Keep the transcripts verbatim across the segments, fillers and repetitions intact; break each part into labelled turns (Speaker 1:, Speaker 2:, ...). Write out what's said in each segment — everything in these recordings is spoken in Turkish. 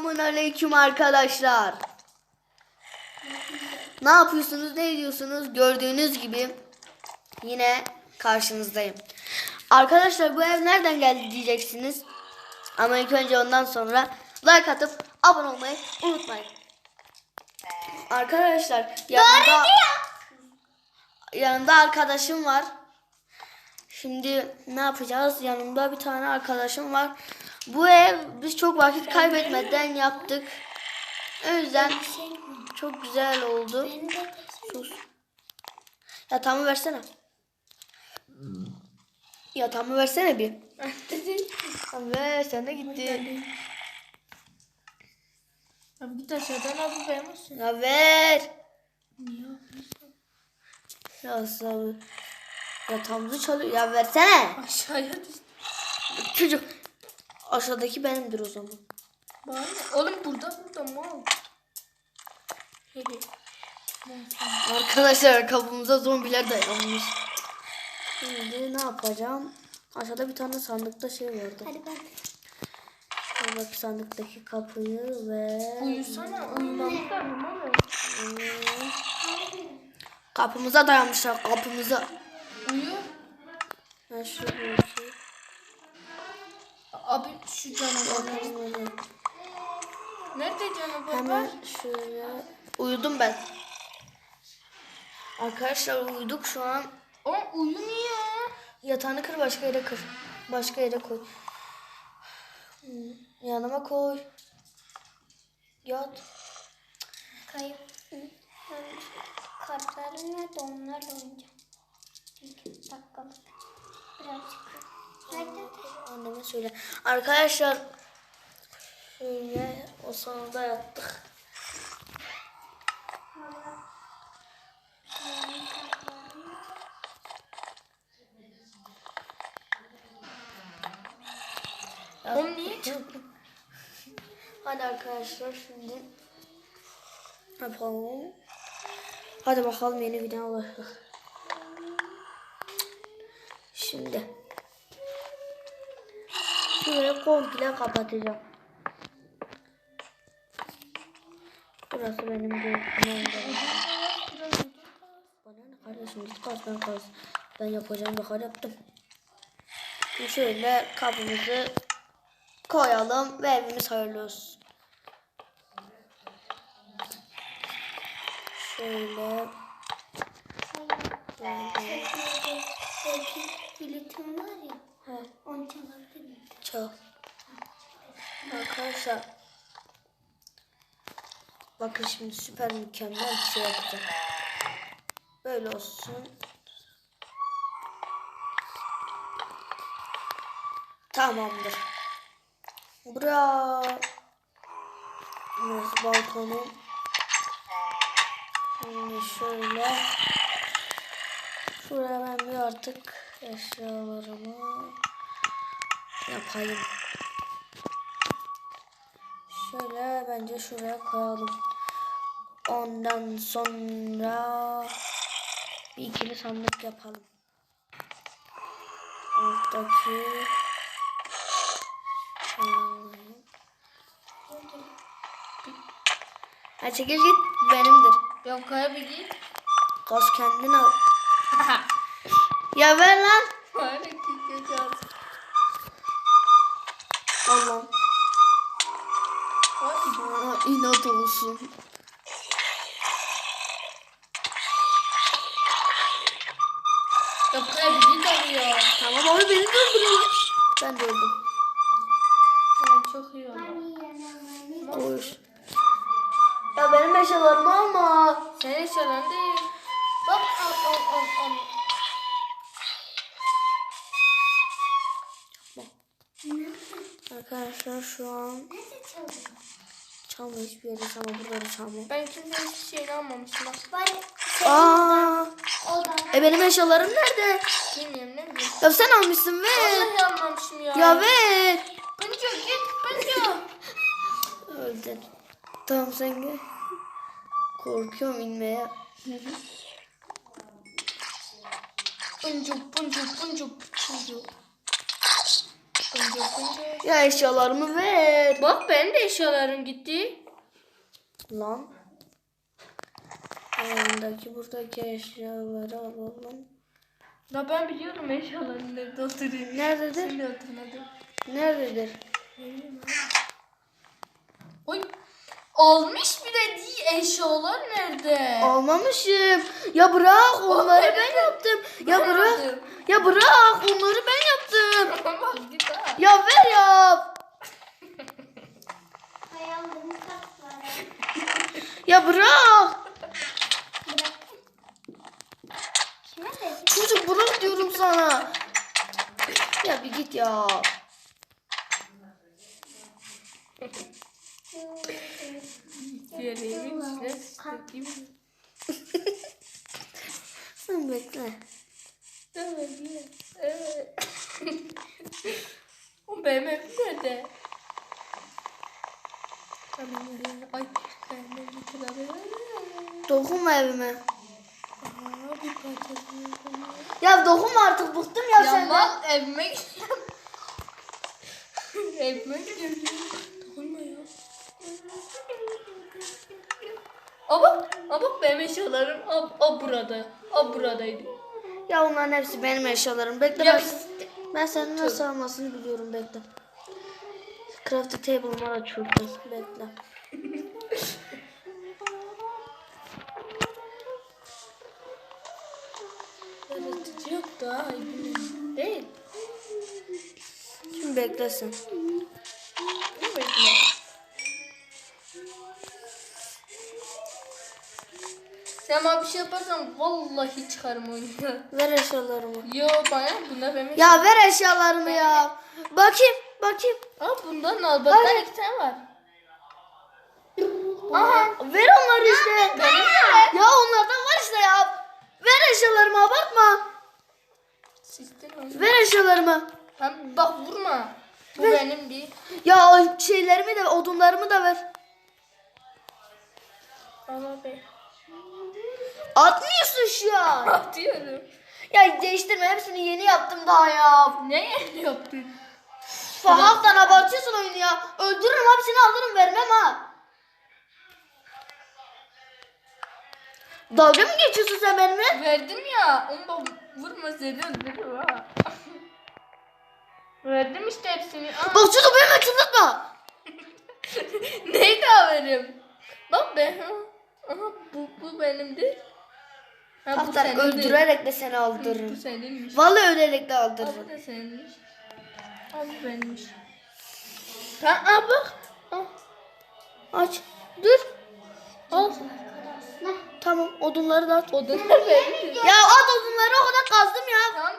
Speaker 1: Selamünaleyküm arkadaşlar. Ne yapıyorsunuz, ne ediyorsunuz? Gördüğünüz gibi yine karşınızdayım. Arkadaşlar bu ev nereden geldi diyeceksiniz. Ama ilk önce ondan sonra like atıp abone olmayı unutmayın. Arkadaşlar yanında, yanında arkadaşım var. Şimdi ne yapacağız? Yanımda bir tane arkadaşım var. Bu ev biz çok vakit kaybetmeden yaptık. O yüzden çok güzel oldu. Sus. Yatağımı versene. Yatağımı versene bir. Ve sen de gitti.
Speaker 2: Abi git aşağıdan abi vermişsin.
Speaker 1: Ya ver.
Speaker 2: Niye yapıyorsun?
Speaker 1: Ya sabır. Yatağımızı çalıyor. Ya versene.
Speaker 2: Aşağıya düştü.
Speaker 1: Çocuk. Aşağıdaki benimdir o zaman.
Speaker 2: Bana oğlum burada burada mal. Hele.
Speaker 1: Arkadaşlar kapımıza zombiler dayanmış. Şimdi ne yapacağım? Aşağıda bir tane sandıkta şey vardı.
Speaker 2: Hadi bak.
Speaker 1: Şöyle bak sandıktaki kapıyı ve...
Speaker 2: Uyusana. Uyumamız da uyumamıyor.
Speaker 1: Hmm. Kapımıza dayanmışlar kapımıza.
Speaker 2: Uyu.
Speaker 1: Ben şöyle bir şey...
Speaker 2: Abi şu canavar.
Speaker 1: Bakalım.
Speaker 2: Nerede canavar var?
Speaker 1: Hemen şöyle... Uyudum ben. Arkadaşlar uyuduk şu an.
Speaker 2: O uyumuyor.
Speaker 1: Yatağını kır başka yere kır. Başka yere koy. Hmm, yanıma koy. Yat.
Speaker 3: Kayıp. Kartlarım nerede? Onlarla oynayacağım. İki dakikalık. Birazcık. Nerede?
Speaker 1: Anneme söyle. Arkadaşlar şöyle o sonunda yattık.
Speaker 2: Oğlum niye çıktı?
Speaker 1: Hadi arkadaşlar şimdi yapalım. Hadi bakalım yeni video ulaştık. Şimdi şurayı komple kapatacağım. Burası benim gözümün Bana ne kardeşim git kaz ben kaz. Ben yapacağım bakar yaptım. Şimdi şöyle kapımızı koyalım ve evimiz hayırlı olsun. Şöyle. Böyle.
Speaker 3: Belki biletim var ya.
Speaker 1: He,
Speaker 3: Onu çalabilir miyim?
Speaker 1: çal. Arkadaşlar. Bakın şimdi süper mükemmel bir şey yapacağım. Böyle olsun. Tamamdır. Bura. Burası balkonum. Şimdi şöyle. Şuraya ben bir artık eşyalarımı yapayım. Şöyle bence şuraya koyalım. Ondan sonra bir ikili sandık yapalım. Alttaki Ha çekil git benimdir.
Speaker 2: Yok abi git.
Speaker 1: Gaz kendin al. Ya ver lan.
Speaker 2: Bana gideceğiz.
Speaker 1: Allah'ım.
Speaker 2: Hadi.
Speaker 1: Sana inat olsun.
Speaker 2: Yok abi git abi ya.
Speaker 1: Tamam abi beni de öldürüyor. Ben de öldüm.
Speaker 2: Ben çok iyi oldu.
Speaker 1: Koş. Ya benim eşyalarımı alma.
Speaker 2: Senin eşyaların değil. Bak al al al al.
Speaker 1: Arkadaşlar şu an çalma hiçbir yere ama buraları çalma.
Speaker 2: Ben kimsenin hiçbir şeyini almamışım bak.
Speaker 3: Var.
Speaker 1: Aa,
Speaker 3: O da.
Speaker 1: e benim eşyalarım nerede?
Speaker 2: Bilmiyorum ne bileyim.
Speaker 1: Ya sen almışsın ver.
Speaker 2: Vallahi almamışım ya.
Speaker 1: Ya ver.
Speaker 2: Pıncu git Pıncu.
Speaker 1: Öldün. Tamam sen gel. Korkuyorum inmeye.
Speaker 2: Pıncu Pıncu Pıncu Pıncu. Fıncır fıncır.
Speaker 1: Ya eşyalarımı ver.
Speaker 2: Bak benim de eşyalarım gitti.
Speaker 1: Lan. Yanındaki buradaki eşyaları alalım.
Speaker 2: Ya ben biliyorum eşyaların nerede oturuyor.
Speaker 1: Nerededir?
Speaker 2: Şimdi oturmadım.
Speaker 1: Nerededir?
Speaker 2: Oy. Almış bile değil, eşyalar nerede?
Speaker 1: Almamışım. Ya bırak onları ben yaptım. Ya
Speaker 2: Ben
Speaker 1: bırak.
Speaker 2: yaptım.
Speaker 1: Ya bırak onları ben yaptım.
Speaker 2: Bak git ha.
Speaker 1: Ya ver ya.
Speaker 3: Hayallerini katlar.
Speaker 1: Ya bırak.
Speaker 3: Kime dedi?
Speaker 1: Çocuk bırak diyorum sana. Ya bir git ya.
Speaker 2: Diğerlerimin içine sıkayım.
Speaker 1: Sen bekle.
Speaker 2: Evet, evet. O benim evim nerede? Tamam, ay benim evim nerede?
Speaker 1: Dokunma evime.
Speaker 2: Aa, bir parçasını yapamıyorum.
Speaker 1: Ya dokunma artık bıktım ya,
Speaker 2: Ya
Speaker 1: senden.
Speaker 2: mal evime gidiyorum. Evime gidiyorum. Dokunma ya. Aa bak, aa bak benim eşyalarım a, a burada. A buradaydı.
Speaker 1: Ya onların hepsi benim eşyalarım. Bekle
Speaker 2: Ya
Speaker 1: ben,
Speaker 2: biz-
Speaker 1: ben senin nasıl almasını biliyorum, bekle. Crafting table'ımı açıyorum. Bekle.
Speaker 2: Yaratıcı yok da ay bilmiyorum. Değil.
Speaker 1: Şimdi beklesin.
Speaker 2: Ne bekle? Sen bana bir şey yaparsan vallahi çıkarım oyunu.
Speaker 1: Ver eşyalarımı.
Speaker 2: Yo bana bunda benim.
Speaker 1: Ya ver eşyalarımı ya. Bakayım, bakayım.
Speaker 2: Aa bundan al. Bak
Speaker 1: Ay.
Speaker 2: iki tane var.
Speaker 1: Aha. Ver onları işte.
Speaker 2: Benim de.
Speaker 1: Ya onlardan var işte ya. Ver eşyalarımı, abartma.
Speaker 2: Sistem oyunu.
Speaker 1: Ver eşyalarımı.
Speaker 2: Hem bak vurma. Bu
Speaker 1: Ver.
Speaker 2: benim değil.
Speaker 1: Ya o şeylerimi de, odunlarımı da ver.
Speaker 2: Al abi.
Speaker 1: Atmıyorsun şu an.
Speaker 2: Atıyorum.
Speaker 1: Ya değiştirme, hepsini yeni yaptım daha ya.
Speaker 2: Ne yaptın?
Speaker 1: Fahaftan abartıyorsun oyunu ya. Öldürürüm, hepsini alırım, vermem ha. Dalga mı geçiyorsun sen benimle?
Speaker 2: Verdim ya. Onu da vurma seni öldürürüm ha. Verdim işte hepsini. Aa.
Speaker 1: Bak çocuk benimle çıldırtma.
Speaker 2: Neyi daha vereyim? Bak ben. Aha bu, bu benimdir. Ha, bu
Speaker 1: Haftan
Speaker 2: senindir.
Speaker 1: öldürerek de seni
Speaker 2: Bu
Speaker 1: aldırırım.
Speaker 2: seninmiş.
Speaker 1: Vallahi ölerek de
Speaker 2: Aa, bu
Speaker 1: aldırırım.
Speaker 2: da seninmiş. Aa, bu benimmiş. Tamam aa, bak. Aa.
Speaker 1: Aç. Dur. Al.
Speaker 3: Ne?
Speaker 1: Tamam, odunları da at.
Speaker 2: Odunlar benimdir.
Speaker 1: Ya at odunları, o kadar kazdım ya.
Speaker 2: Tamam.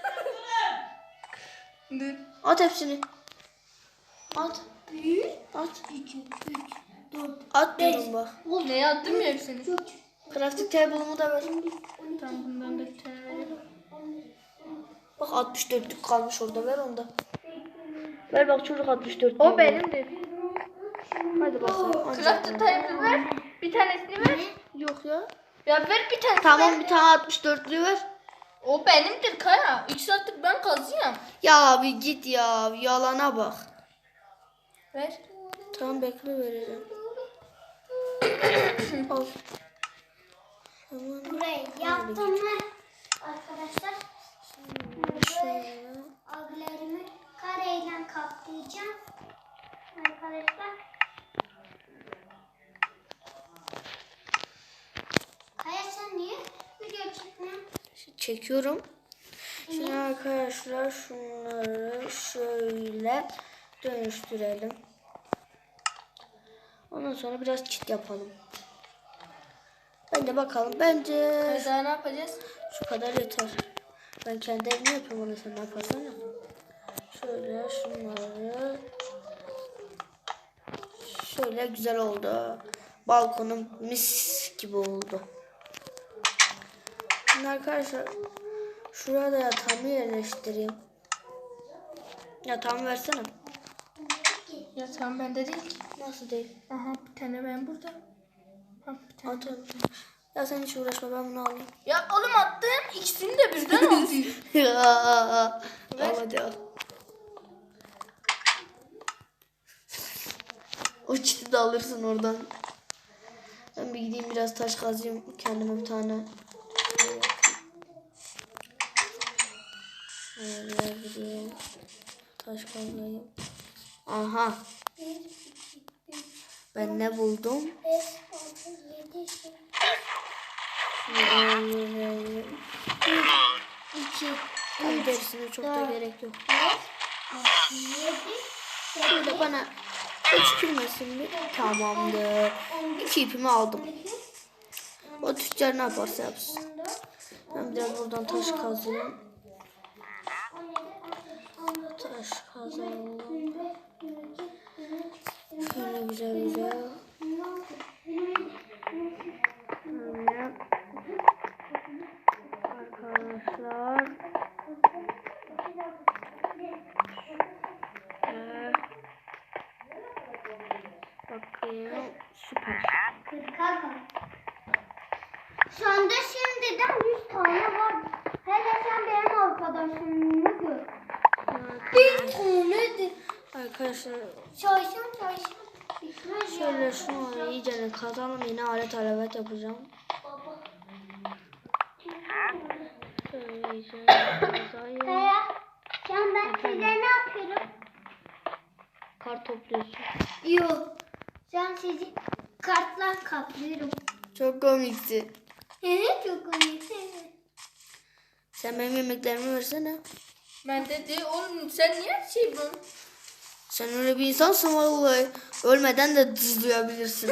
Speaker 2: Dur.
Speaker 1: At hepsini. At.
Speaker 3: Bir,
Speaker 1: At.
Speaker 3: iki, üç, dört,
Speaker 1: At diyorum bak.
Speaker 2: Ne yaptım ya hepsini?
Speaker 3: üç,
Speaker 1: Crafting table'ımı da ver.
Speaker 2: Tamam bundan da bir tane verelim.
Speaker 1: Bak altmış dörtlük kalmış orada, ver onu da. Ver bak çocuk altmış dört.
Speaker 2: O benimdir.
Speaker 1: Hadi bakalım.
Speaker 2: Craft'ı table ver. Bir tanesini ver.
Speaker 1: Yok ya.
Speaker 2: Ya ver bir tanesini.
Speaker 1: Tamam, bir tane altmış dörtlüğü ver.
Speaker 2: O benimdir Kaya. İki saattir ben kazıyorum.
Speaker 1: Ya abi git ya. Yalana bak.
Speaker 2: Ver.
Speaker 1: Tamam, bekle, vereceğim. Al. Tamam.
Speaker 3: burayı yaptım mı? Arkadaşlar.
Speaker 1: Şöyle.
Speaker 3: Abilerimi kareyle kaplayacağım. Arkadaşlar. Kaya sen niye video çekmiyorsun?
Speaker 1: Çekiyorum. Şimdi arkadaşlar şunları şöyle dönüştürelim. Ondan sonra biraz çit yapalım. Bence bakalım. Bence
Speaker 2: Kaya daha ne yapacağız?
Speaker 1: şu kadar yeter. Ben kendi evimi yapıyorum, onu sen ne yaparsan yap. Şöyle şunları. Şöyle güzel oldu. Balkonum mis gibi oldu. Şimdi arkadaşlar şuraya da yatağımı yerleştireyim. Yatağımı versene.
Speaker 2: Ya tamam bende değil.
Speaker 1: Nasıl değil?
Speaker 2: Aha bir tane ben burada. Ha, bir tane.
Speaker 1: At at. Ya sen hiç uğraşma, ben bunu alayım.
Speaker 2: Ya oğlum attım. İkisini de birden aldı.
Speaker 1: Ya. Al hadi al. O çiti de alırsın oradan. Ben bir gideyim biraz taş kazayım. Kendime bir tane. Şöyle gideyim. Taş kazayım. Aha. Ben ne buldum?
Speaker 3: beş, altı, yedi, sekiz,
Speaker 1: Şöyle.
Speaker 3: iki,
Speaker 1: Tam gerisine çok da
Speaker 3: dört,
Speaker 1: gerek yok.
Speaker 3: altı, yedi,
Speaker 1: Şöyle bana öçükülmesin mi? Tamamdır. İki ipimi aldım. O tüccar ne yaparsa yapsın.
Speaker 3: on dört,
Speaker 1: Ben biraz buradan taş kazayım.
Speaker 3: on yedi, on dokuz,
Speaker 1: Taş kazayım.
Speaker 3: yirmi beş, yirmi iki, yirmi üç,
Speaker 1: Şöyle güzel güzel.
Speaker 3: yirmi altı, yirmi yedi, yirmi sekiz,
Speaker 1: Şöyle. Arkadaşlar. Ee, bakayım. Süper.
Speaker 3: kırka kadar. Şu anda şimdiden yüz tane var. Hele sen benim arkadaşımı gör. Bir tanedir.
Speaker 1: Arkadaşlar
Speaker 3: Çalışın çalışın. Bitmez
Speaker 1: şöyle
Speaker 3: ya.
Speaker 1: şunu iyice kazalım. Yine alet alavet yapacağım.
Speaker 3: Baba.
Speaker 1: Şöyle iyice kazayım.
Speaker 3: Kaya, sen ben size ne yapıyorum?
Speaker 1: Kar topluyorsun.
Speaker 3: Yok. Sen sizi kartla kaplıyorum.
Speaker 1: Çok komikti.
Speaker 3: Evet çok komik.
Speaker 1: Sen benim yemeklerimi versene.
Speaker 2: Ben dedi oğlum sen niye her şey bu?
Speaker 1: Sen öyle bir insansın vallahi. Ölmeden de dızlayabilirsin.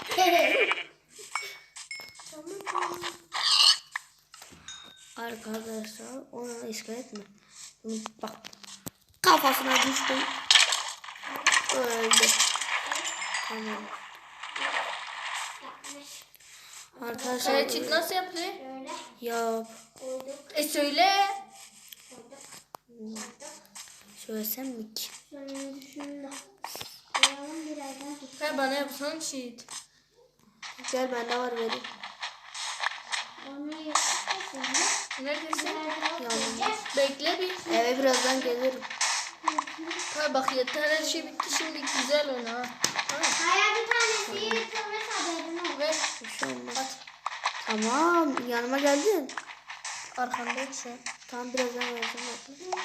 Speaker 1: Arkadaşlar ona iskelet mi? Bunu bak. Kafasına düştüm. Öldü. Tamam. Arkadaşlar
Speaker 2: Kaya çit nasıl yaptı?
Speaker 3: Şöyle
Speaker 1: yap.
Speaker 3: koyduk.
Speaker 2: E söyle.
Speaker 1: Söylesem mi ki?
Speaker 3: Şöyle şunu da koyalım birazdan.
Speaker 2: Kaya bana yapsan çit.
Speaker 1: Gel bende var vereyim.
Speaker 3: Onu yaptık şimdi.
Speaker 2: Neredesin?
Speaker 1: Yalnız.
Speaker 2: Bekle bir.
Speaker 1: Eve birazdan gelirim.
Speaker 2: Kaya bak yeter her şey bitti şimdi güzel oyna ha. Tamam.
Speaker 3: Kaya bir tanesi yırtılmış haberin olsun.
Speaker 2: Ver.
Speaker 1: Bir şey olmaz. Tamam yanıma geldin.
Speaker 2: Arkandayım şu an.
Speaker 1: Tamam birazdan vereceğim. Bakın.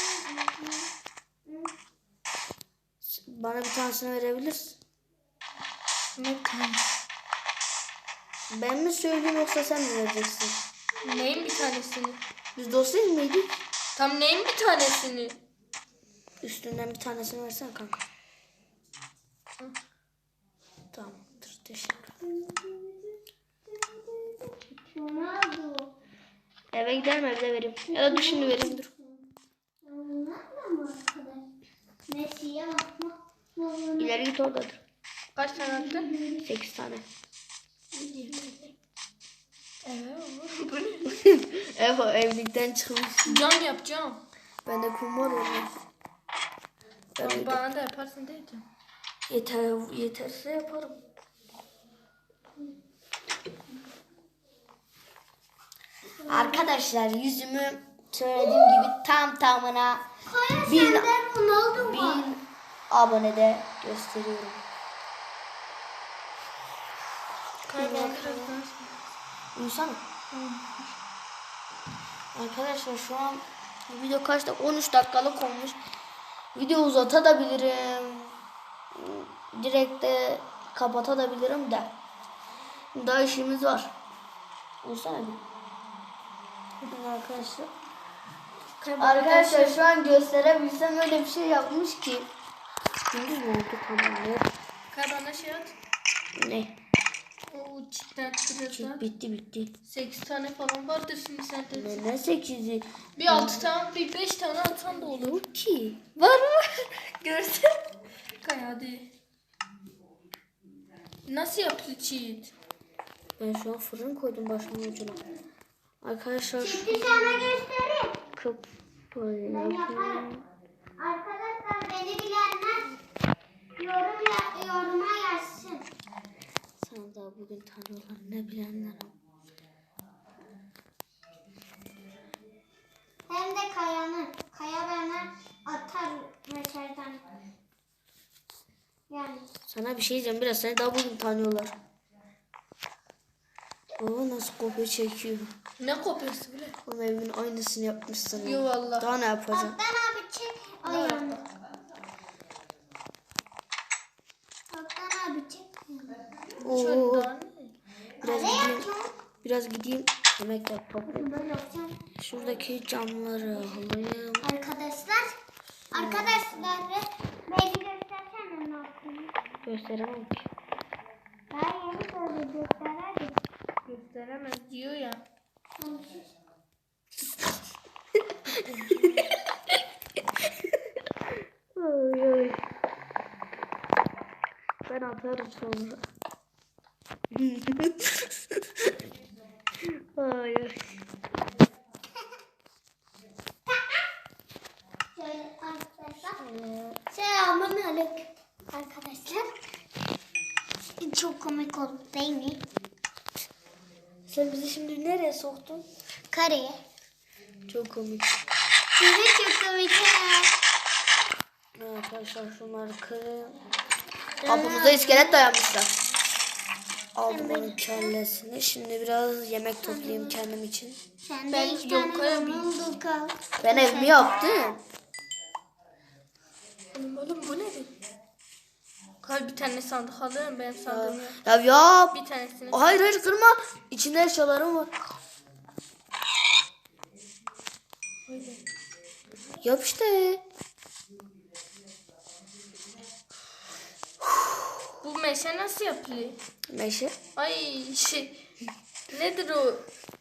Speaker 1: Bana bir tanesini verebilirsin.
Speaker 2: Ne kan?
Speaker 1: Ben mi söyleyeyim yoksa sen mi vereceksin?
Speaker 2: Neyin bir tanesini?
Speaker 1: Biz dost değil miydik?
Speaker 2: Tam neyin bir tanesini?
Speaker 1: Üstünden bir tanesini versene kanka. Tamamdır teşekkür ederim.
Speaker 3: Şunu aldı.
Speaker 1: Eve giderim evde vereyim. Ya da dur şimdi vereyim dur.
Speaker 3: Bunlar da mı arkadaş? Ne siyah mı?
Speaker 1: İleri git oradadır.
Speaker 2: Kaç tane attın?
Speaker 1: Sekiz tane.
Speaker 2: Evet. Bu ne?
Speaker 1: Ev evlilikten çıkmış.
Speaker 2: Cam yapacağım.
Speaker 1: Bende kum var orada.
Speaker 2: Tamam, bana da yaparsın diyeceğim.
Speaker 1: Yeter, yeterse yaparım. Arkadaşlar yüzümü söylediğim gibi tam tamına
Speaker 3: Kaya
Speaker 1: bin,
Speaker 3: senden Ronaldo var.
Speaker 1: bin abonede gösteriyorum.
Speaker 2: Kaya bana biraz daha.
Speaker 1: Uyusana. Arkadaşlar şu an video kaç dakika? on üç dakikalık olmuş. Video uzatabilirim. Direkt de kapatabilirim de. Daha işimiz var. Uyusana bir. Arkadaşlar. Arkadaşlar şu an gösterebilsem öyle bir şey yapmış ki. Gündüz mü oldu tamamdır.
Speaker 2: Kaya bana şey at.
Speaker 1: Ne?
Speaker 2: O çitten biraz daha.
Speaker 1: Bitti bitti.
Speaker 2: sekiz tane falan vardır şimdi sende.
Speaker 1: Ne, ne sekizi?
Speaker 2: Bir altı tane, bir beş tane atsan da olur.
Speaker 1: Yok ki. Var mı? Görsene.
Speaker 2: Kaya hadi. Nasıl yaptı cheat?
Speaker 1: Ben şu an fırın koydum başımın ucuna. Arkadaşlar
Speaker 3: Şimdi sana göstereyim.
Speaker 1: kıp
Speaker 3: Ben yaparım. Arkadaşlar beni bilenler yorum ya, yoruma yazsın.
Speaker 1: sana daha bugün tanıyorlar ne bilenler.
Speaker 3: Hem de Kaya'nın. Kaya bana atar meşerden. Yani.
Speaker 1: Sana Sana bir şey diyeceğim. Biraz seni daha bugün tanıyorlar. Baba nasıl kopya çekiyor.
Speaker 2: Ne kopyası bile?
Speaker 1: Onun evinin aynısını yapmışsın.
Speaker 2: Yo valla.
Speaker 1: Daha ne yapacaksın?
Speaker 3: Kaptan abi çek ayağını. Kaptan abi çek.
Speaker 1: Oo,
Speaker 2: Şuradan.
Speaker 1: biraz
Speaker 3: Ne
Speaker 1: gideyim.
Speaker 3: yapıyorsun?
Speaker 1: Biraz gideyim. Yemekler toplayayım.
Speaker 3: Böyle yapacağım.
Speaker 1: Şuradaki camları alayım.
Speaker 3: Arkadaşlar. Arkadaşlar. Beni göstersene ne yaptığını.
Speaker 1: Gösteremem ki.
Speaker 3: Ben yeni böyle göstererdim.
Speaker 2: Gösteremez diyor ya.
Speaker 1: Ay, ay. Ben atarım sonra. Ay, ay.
Speaker 3: Şöyle arkadaşlar. Selamun aleyküm arkadaşlar. Çok komik oldu değil mi?
Speaker 1: Sen bizi şimdi nereye soktun?
Speaker 3: Kareye.
Speaker 1: Çok komik.
Speaker 3: Size çok komik ya.
Speaker 1: Arkadaşlar şunları kırın. Kapımıza iskelet dayanmışlar. Aldım onun kellesini. Şimdi biraz yemek toplayayım kendim için.
Speaker 3: Sen
Speaker 2: Ben
Speaker 3: de iki
Speaker 2: yok
Speaker 3: tane
Speaker 2: koyabilirim.
Speaker 3: buldun kal.
Speaker 1: Ben evimi yaptım.
Speaker 2: Oğlum bu nedir? Kal bir tane sandık alıyorum ben sandığımı.
Speaker 1: Ya yap.
Speaker 2: Bir tanesini.
Speaker 1: Hayır hayır kırma. İçinde eşyalarım var. Yap işte.
Speaker 2: Bu meşe nasıl yapılıyor?
Speaker 1: Meşe.
Speaker 2: Ay şey. Nedir o?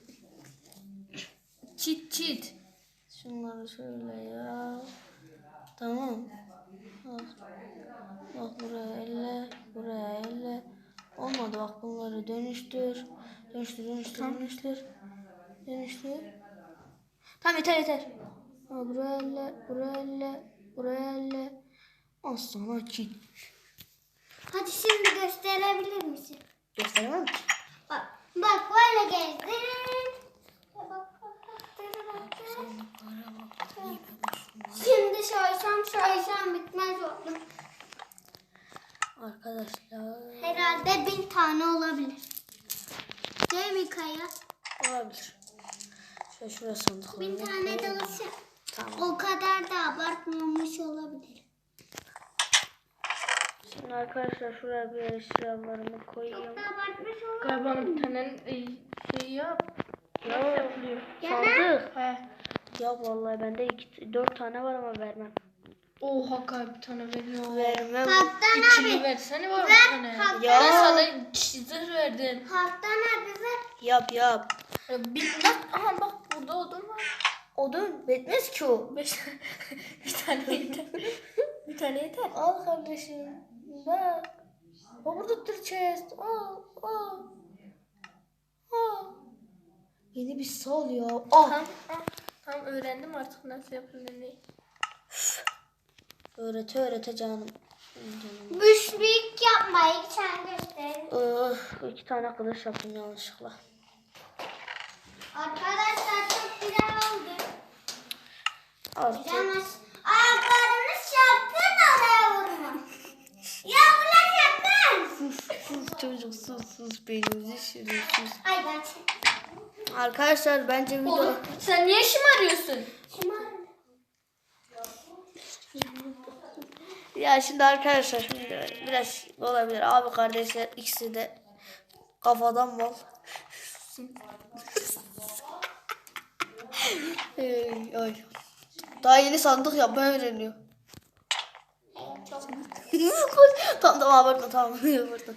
Speaker 2: Çit çit.
Speaker 1: Şunları şöyle ya. Tamam. Bak, bak buraya elle. Buraya elle. Olmadı bak bunları dönüştür. Dönüştür dönüştür dönüştür. Dönüştür. Tamam yeter yeter. Ha, buraya elle. Buraya elle. Buraya elle. Az sonra çit.
Speaker 3: Hadi şimdi gösterebilir misin?
Speaker 1: Gösteremem ki.
Speaker 3: Bak, bak böyle gezdir. Bak, bak, bak, bak, bak. Şimdi soysam soysam bitmez oldu.
Speaker 1: Arkadaşlar.
Speaker 3: Herhalde bin tane olabilir. Değil mi Kaya?
Speaker 1: Olabilir. Şöyle şuraya sandık
Speaker 3: Bin
Speaker 1: alayım.
Speaker 3: tane dolası.
Speaker 1: Tamam.
Speaker 3: O kadar da abartmamış olabilir.
Speaker 1: Şimdi arkadaşlar şuraya bir eşyalarımı koyayım.
Speaker 3: Çok da abartmış olabilir.
Speaker 2: Galiba bir tane e, şey yap. Nasıl yapılıyor?
Speaker 1: Sandık.
Speaker 2: He.
Speaker 1: Ya vallahi bende iki, dört tane var ama vermem.
Speaker 2: Oha galiba bir tane veriyor.
Speaker 1: Vermem.
Speaker 3: Kaptan
Speaker 2: İkili
Speaker 3: abi.
Speaker 2: versene var bir
Speaker 3: Ver,
Speaker 2: tane.
Speaker 3: kaptan.
Speaker 1: Ya.
Speaker 2: Ben sana çizir verdim.
Speaker 3: Kaptan abi ver.
Speaker 1: Yap yap.
Speaker 2: Ya Bir, bak, aha bak burada odun var.
Speaker 1: Odun bitmez ki o.
Speaker 2: Beş, bir tane yeter. Bir tane yeter.
Speaker 1: Al kardeşim. Bak. O burada tır chest. Al al. Al. Beni bir sal ya. Al.
Speaker 2: Tamam, tamam, tamam öğrendim artık nasıl yapıldığını.
Speaker 1: Öğrete öğrete canım. Canım.
Speaker 3: Büyük yapmayı sen göster.
Speaker 1: Oh, iki tane kılıç yaptım yanlışlıkla.
Speaker 3: Arkadaşlar çok güzel oldu.
Speaker 1: Artık.
Speaker 3: Güzelmiş. Ayaklarını çarptın oraya vurma. Ya ulan yaptın.
Speaker 1: Sus sus çocuk sus sus beynimizi şirin sus.
Speaker 3: Ay ben çek.
Speaker 1: Arkadaşlar bence video...
Speaker 2: Oğlum sen niye şımarıyorsun?
Speaker 1: Ya şimdi arkadaşlar şimdi biraz olabilir. Abi kardeşler ikisi de kafadan mal. Ey, ay. Daha yeni sandık yapmayı öğreniyor. tamam tamam abartma tamam abartma.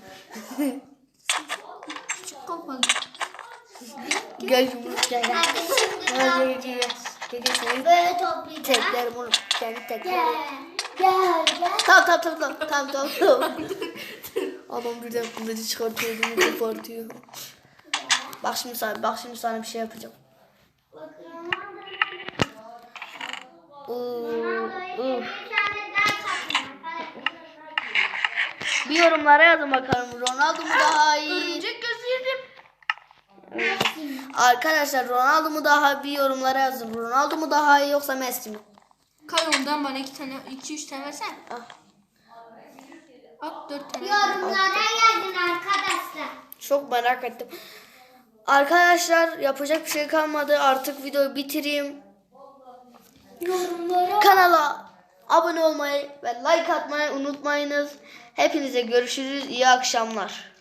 Speaker 2: Küçük kafalı.
Speaker 1: Gel yumruk gel gel.
Speaker 3: Hadi şimdi
Speaker 1: Gel
Speaker 3: daha
Speaker 1: gel gel. Gel gel seni
Speaker 3: böyle toplayacağız.
Speaker 1: teklerim onu. Kendi teklerim.
Speaker 3: Gel. Gel gel.
Speaker 1: Tamam tamam tamam tamam tamam tamam. tamam. Adam birden kılıcı çıkartıyor, bunu kopartıyor. Bak şimdi sana, bak şimdi sana bir şey yapacağım.
Speaker 3: Bakın.
Speaker 1: Uf,
Speaker 3: Bir
Speaker 1: uf.
Speaker 3: tane daha katın.
Speaker 1: Bir yorumlara yazın bakalım. Ronaldo mu daha iyi?
Speaker 2: Örümcek gözü yedim.
Speaker 1: Arkadaşlar Ronaldo mu daha bir yorumlara yazın. Ronaldo mu daha iyi yoksa Messi mi?
Speaker 2: Kay ondan bana iki tane, iki üç tane versen.
Speaker 1: Ah.
Speaker 2: At dört tane.
Speaker 3: Yorumlara yazın arkadaşlar.
Speaker 1: Çok merak ettim. Arkadaşlar yapacak bir şey kalmadı. Artık videoyu bitireyim.
Speaker 3: Yorumlara.
Speaker 1: Kanala abone olmayı ve like atmayı unutmayınız. Hepinize görüşürüz. İyi akşamlar.